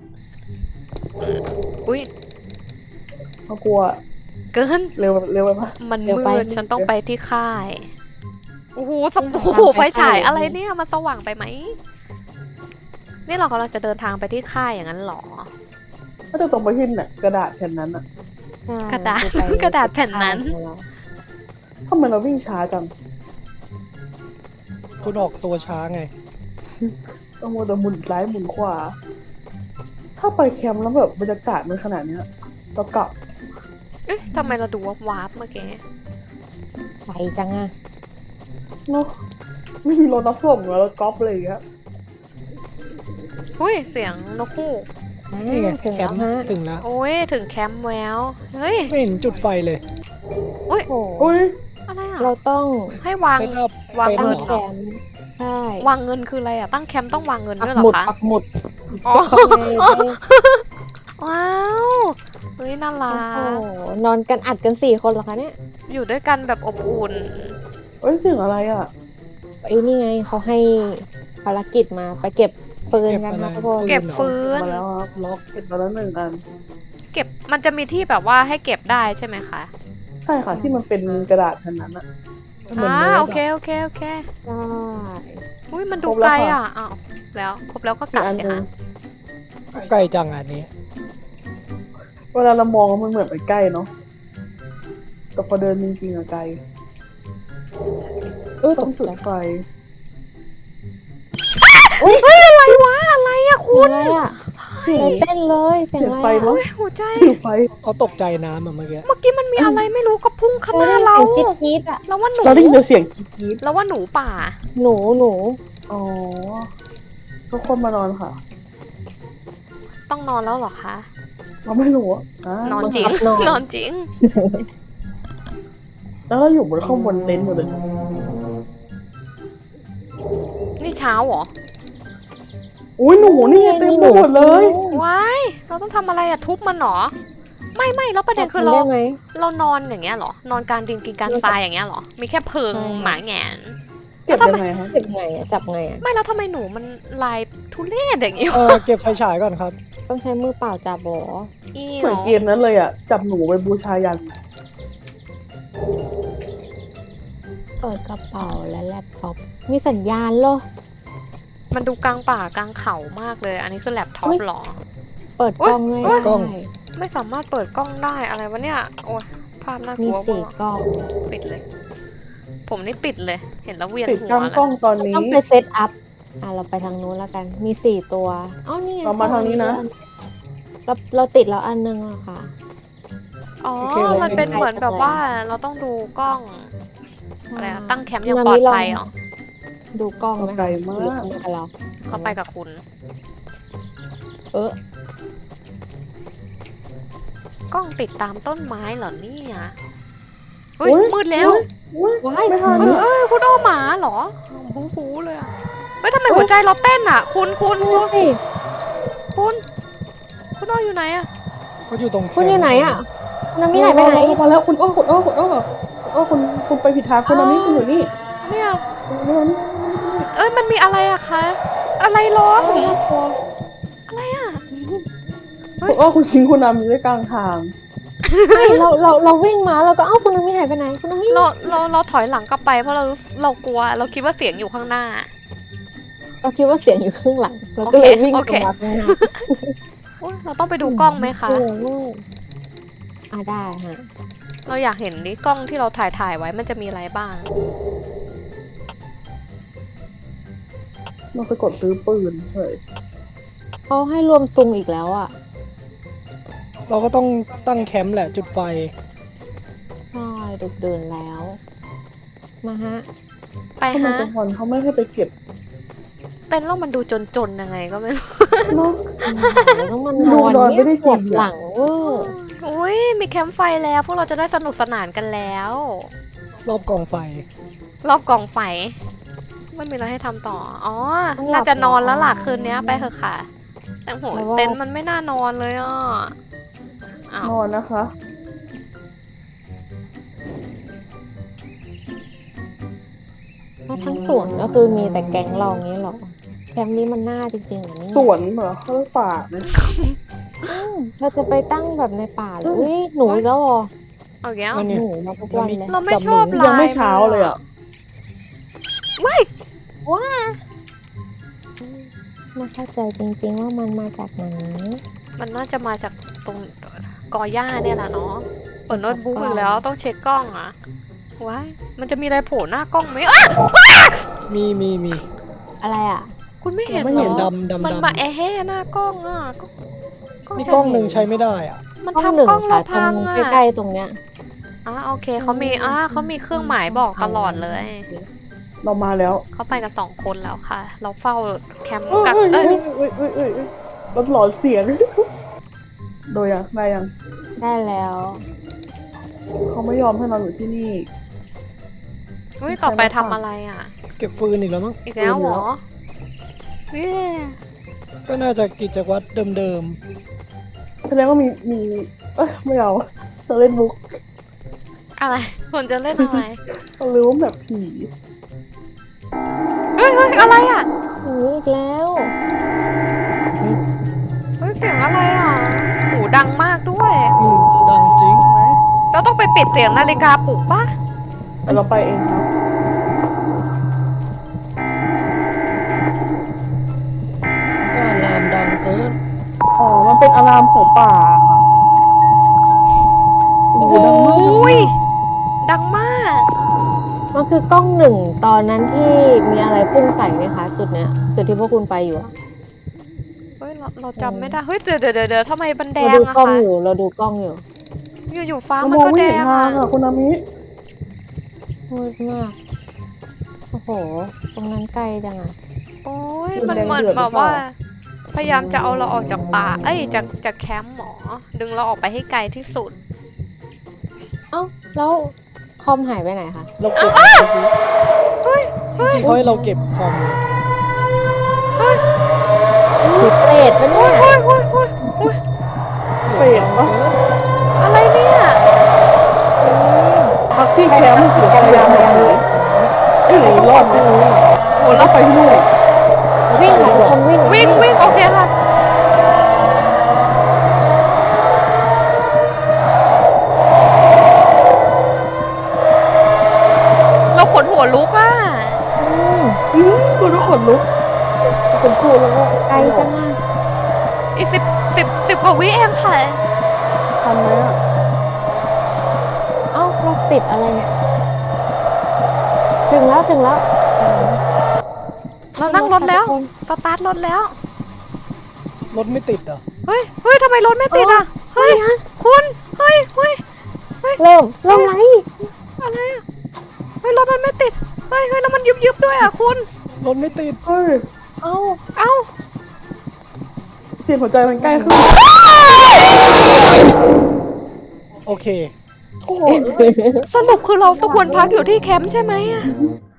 อุ้ยเขากลัวเกินเร็วเร็วไปปะมันมืดฉันต้องไปที่ค่ายโอ้โหสบู่ไฟฉายอะไรเนี่ยมันสว่างไปไหมนี่เรากำลังจะเดินทางไปที่ค่ายอย่างนั้นหรอก็จะตรงไปที่เนี่ยกระดาษแผ่นนั้นอะกระดาษกระดาษแผ่นนั้นทำไมเราวิ่งช้าจังคุณออกตัวช้าไงต้องมัวแต่หมุนซ้ายหมุนขวา ถ้าไปแคมป์แล้วแบบบรรยากาศมันขนาดเนี้ยเรากลับเอ๊ะทำไมเราดูวาร์ปเมื่อกี้ไปจังอะเนาะไม่มีรถรับส่งแล้วก๊อปอะไรอย่างเงี้ยอุ้ยเสียงนกฮูกนี่ไงถึงแคแล้วมป์ฮะถึงแล้วโอ้ยถึงแคมป์แล้วเฮ้ยไม่เห็นจุดไฟเลยอุ้ยโอ้อุ้ยอะไรอ่ะเราต้องให้วางเป็นอัพวางเป็นตั้งเหรอแคมป์ใช่วางเงินคืออะไรอ่ะตั้งแคมป์ต้องวางเงินปัด้วยกเหรหมุอดคะปักหมุดอ๋อได้ว้าวเฮ้ยน่ารัโอ้กโหนอนกันอัดกัน4 คนเหรอคะเนี่ยอยู่ด้วยกันแบบอบอุ่นเอ้ยเสียงอะไรอ่ะไอ้นี่ไงเขาให้ภารกิจมาไปเก็บฟืนเก็บกันอะไรนะทุกคนเก็บฟืนมาแล้วครับล็อกเก็บมาแล้ว1 อันเก็บมันจะมีที่แบบว่าให้เก็บได้ใช่ไหมคะใช่ค่ะที่มันเป็นกระดาษแผ่นนั้นอะเหมือนอ่าโน้ตโออะเคโอเคโอเคได้อุ้ยมันดูครบแล้ไกลวค่ะอ่ะอ้าวแล้วครบแล้วก็กอีลักบอันเลยหนึงค่ะใกล้จังอันนี้เวลาเรามองมันเหมือนไปใกล้เนาะแต่พอเดินจริงๆอะไกลอุ้ยตต้องกจุดใจไฟเฮ้ยอะไรวะอะไรอะคุคุณณอะไรอ่ะเสียงเต้นเลยเสียงเสียงอะไรไฟอ่ะมั้งเฮ้ยหัวใจเสียงไฟเขาตกใจน้ำอะเมื่อกี้เมื่อกี้มันมีอะไรไม่รู้ก็พุ่งเข้ามาเราเสียงจี๊ดๆอ่ะแล้วว่าหนูเราได้ยินแต่เสียงกรี๊ดแล้วว่าหนูป่าหนูๆอ๋อทุกคนมานอนค่ะต้องนอนแล้วเหรอคะเราไม่รู้อะนอนจริง นอนจริงแล้วเราอยู่บนข้างบนเต็นท์อยู่เลยนี่เช้าเหรออุ้ยหนูนี่ไงเต็มไปหมดเลยว้ายเราต้องทำอะไรอะทุบมันเหรอไม่แล้วประเด็นคือจำเราได้ไหมเรานอนอย่างเงี้ยเหรอนอนกลารดินกินกลารทรายอย่างเงี้ยเหรอมีแค่เพิงใช่หมาแหงนเก็บยังไงคะเก็บไงอ่ะจับไงอ่ะไม่แล้วทำไมหนูมันลายทุเรศอย่างงี้เก็บไฟฉายก่อนครับต้องใช้มือเปล่าจับบออีเหมือนเกมนั้นเลยอะจับหนูไปบูชายันเปิดกระเป๋าและแล็ปท็อปมีสัญญาณเหรอมันดูกลางป่ากลางเขามากเลย อันนี้คือแล็ปท็อปอุ๊ยหรอเปิดกล้องไม่อุ๊ยได้ไม่สามารถเปิดกล้องได้อะไรวะเนี่ย โอ้ยภาพน่ากมีลัวสี่มากกล้องปิดเลย ผมนี่ปิดเลย เห็นแล้วเวียนติดหักวล้องแล้วกล้องตอนนี้ต้องไปเซตอัพเราไปทางนู้นแล้วกันมี4 ตัวเอ้านี่ไงเรามาทางนี้นะเราติดแล้วอันนึงอะค่ะอ๋อโอเคเลยมันเป็นเป็นเหมือนแบบไกลว่าเราต้องดูกล้องอะไรอะตั้งแคมป์อย่างนาปลอมิดลองภัยเหรอดูกล้องไหมไกลคะมากหรือไม่กับเราเขาไปกับคุณเออกล้องติดตามต้นไม้เหรอเนี่ยเฮ้ยอุ๊ยมืดแล้วอุ๊ยว้ายไม่ทันคุณอ้อหมาเหรอหูเลยอะเฮ้ยทำไมหัวใจเราเต้นอะคุณนั่นนะสิคุณอ้ออยู่ไหนอะเขาอยู่ตรงแคมป์คุณอยู่ไหนอะคุณนามิหายไปไหนมาแล้วคุณอ้อคุณไปผิดทางคุณนามิคุณอยู่นี่เนี่ยคุณนามิเอ้ยมันมีอะไรอะคะ อะไรร้องเออน่ากลัวอะไรอะคุณอ้อคุณทิ้งคุณนามิไว้กลางทางเฮ้ยเราวิ่งมาเราก็เอ้าคุณนามิหายไปไหนคุณนามิเราถอยหลังกลับไปเพราะเรากลัวเราคิดว่าเสียงอยู่ข้างหน้าเราคิดว่าเสียงอยู่ข้างหลังเราก็เลยวิ่งโอตเครงมาข้างหน้าโอ๊ยเราต้องไปดูกล้องไหมคะกลัวมากได้ฮะเราอยากเห็นนี่กล้องที่เราถ่ายไว้มันจะมีอะไรบ้างมันไปกดซื้อปืนเฉยเขาให้รวมซุงอีกแล้วอ่ะเราก็ต้องตั้งแคมป์แหละจุดไฟใช่ดึกเดินแล้ว มาฮะไปถ้ามันฮะจะพอนเขาไม่ให้ไปเก็บเต้นแล้วมันดูจนๆยังไงก็ไม่รู้เนาะเราต้องมันดูนอนเยไม่ได้ปวดจริงอะหลังเวอร์อุ้ยมีแคมป์ไฟแล้วพวกเราจะได้สนุกสนานกันแล้วรอบกองไฟรอบกองไฟไม่มีอะไรให้ทำต่อ อ๋อ น่าจะนอนแล้วล่ะคืนนี้ไปเถอะค่ะ แต่โหเต็นท์มันไม่น่านอนเลยอ่ะอ้าวนอนนะคะแล้วทั้งสวนก็คือมีแต่แก๊งเราอย่างนี้เหรอแคมป์นี้มันน่าจริงๆเหรอเนี่ยสวนเหรอเขาเรียกป่านะเราจะไปตั้งแบบในป่าเลยอุ้ยหนูอีกแล้วเหรอเอาแก้วอันนี้หนูมาทุกวันเลยเราไม่ชอบลายยังไม่เช้าเลยอ่ะว้ายไม่เข้าใจจริงๆว่ามันมาจากไหนมันน่าจะมาจากตรงกอหญ้าเนี่ยแหละเนาะเปิดโน้ตบุ๊กอีกแล้วต้องเช็คกล้องอ่ะว้ายมันจะมีอะไรโผล่หน้ากล้องไหมอ่ะมีอะไรอ่ะคุณไม่เห็นไม่เหรเห็นอดำมันมาแอแห่หน้ากล้องอ่ะนี่กล้องหนึ่งใช้ไม่ได้อ่ะมันกล้องหนึ่ทำงกล้องค่ะเราตรพังงอ่ะใกล้ๆตรงเนี้ยโอเคเขามีเครื่องหมายบอกตลอดเลยเรามาแล้วเขาไปกัน2 คนแล้วค่ะ เราเฝ้าแคมป์เอ้ยกับเอ้ยเอ้ยเอ้ยเอ้ยเอ้ยรถหลอนเสียง โดยยังได้ยังได้แล้วเขาไม่ยอมให้เราอยู่ที่นี่อุ้ยต่อไปทำอะไรอ่ะเก็บฟืนอีกแล้วมั้งอีกแล้วเหรอเย้ก็น่าจะกิจวัตรเดิมแสดงว่ามีเอ้ยไม่เอาจะเล่นบุ๊กอะไรคนจะเล่นอะไรเขารู้ว่าแบบผีเฮ้ยอะไรอ่ะหนูอีกแล้วเฮ้ยเสียงอะไรอ่ะหูดังมากด้วยดังจริงใช่ไหมเราต้องไปปิดเสียงนาฬิกาปลุกปะแต่เราไปเองครับก็ลามดังเกินอ๋อมันเป็นอะลามของป่าค่ะโอ้โอ้โหโหดังมากดังมากมันคือกล้องหนึ่งตอนนั้นที่มีอะไรพุ่งใส่ไหมคะ จุดเนี้ย จุดที่พวกคุณไปอยู่อะเฮ้ยเราจำไม่ได้เฮ้ยเดี๋ยวทำไมมันแดเรางดูอะกล้องคะอยู่ เราดูกล้องอยู่อยู่ฟ้าเรามันมองก็ไม่แดเห็นงทาอะงอ่ะคุณอามิมืดมาก โอ้โห ตรงนั้นไกลจังอะโอ้ยมันเหมือนแบบว่า พยายามจะเอาเราออกจากป่าจากแคมป์หมอ ดึงเราออกไปให้ไกลที่สุดเอ้า แล้วคอมหายไปไหนคะเราเก็บเฮ้ยเขาให้เราเก็บคอมเลยหรือเปรตปะเนี่ยเปรตปะอะไรเนี่ยพักที่แคมป์ถือพยายามหลบหนีเอ้ยหรือรอดไหมโหเราเราไปที่นู่นวิ่งค่ะทุกคนวิ่งวิ่งโอเคค่ะ เราขนหัวลุกอ่ะกูก็ขนลุกคนกลัวแล้วก็ไกลจังอะอีกสิบกว่าวิเองค่ะทันไหมอ่ะเอ้าเราติดอะไรเนี่ย ถึงแล้วเรานั่งรถแล้ว สตาร์ทรถแล้วรถไม่ติดเหรอเฮ้ยทำไมรถไม่ติดอ่ะ เฮ้ย คุณเฮ้ยเริ่มไรอะไรอ่ะ เฮ้ยรถมันไม่ติด เฮ้ยแล้วมันยุบด้วยอ่ะคุณรถไม่ติดเฮ้ยเอ้าเอ้าเสียงหัวใจมันใกล้ขึ้นโอเคโอ้โหสรุปคือเราต้องควรพักอยู่ที่แคมป์ใช่ไหมอ่ะ